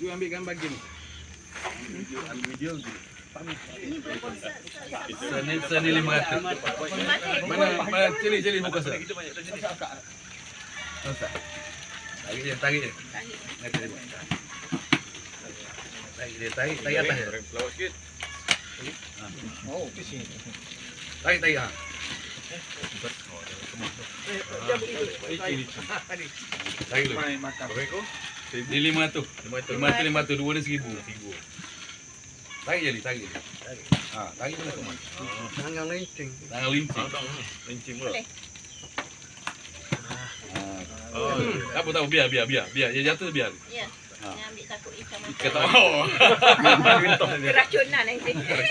You ambil gambar gini. Video gini. Seni 500. Mana cili muka saya. Tarik dia. Tarik atas ya. Lawak sikit. Oh, di sini. Tarik ha. Tarik dulu. Berapa? Di 500. 500 dua ni 1000. Tarik je. Ha, tarik dulu semua. Tangan lincing. Lincing pula. Oh, apa tahu biar. Dia jatuh biar. Ya. Dia ambil takut ikan makan. Ikan tahu. Keracunan nanti.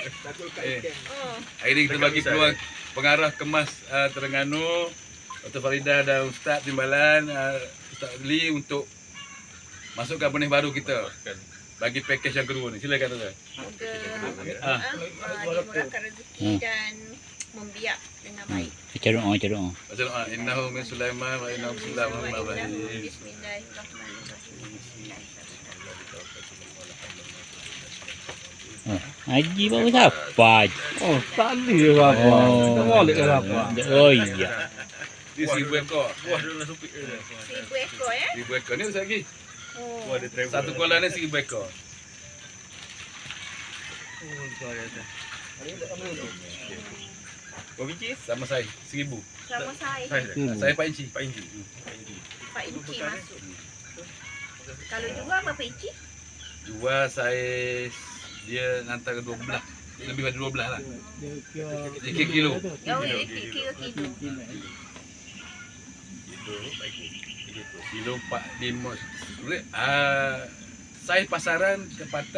Hari ini kita bagi peluang pengarah kemas Terengganu, Dr. Faridah dan Ustaz Timbalan, Ustaz Lee untuk masukkan benih baru kita. Bagi package yang kedua ni. Silakan Ustaz. Dimurahkan rezeki dan membiak dengan baik. Macam Macam innahu min Sulaiman wa innahu bismillahirrahmanirrahim. Haji baru dapat. Oh, tadi dia apa? Kita balik ke apa? Oh iya. Ini 1000 ekor. 1000 ekor ya. 1000 ekor ni Ustaz lagi. Oh. Satu kolam ni 1000 ekor. Berapa biji? Sama saya 1000. Sama saya. Saya 4 inci. 4 inci masuk. Kalau jual berapa inci? Jual saiz dia antara 12. Lebih pada 12 lah. Dia kilo. Oh, kilo. Kilo 45. Saiz pasaran kepatan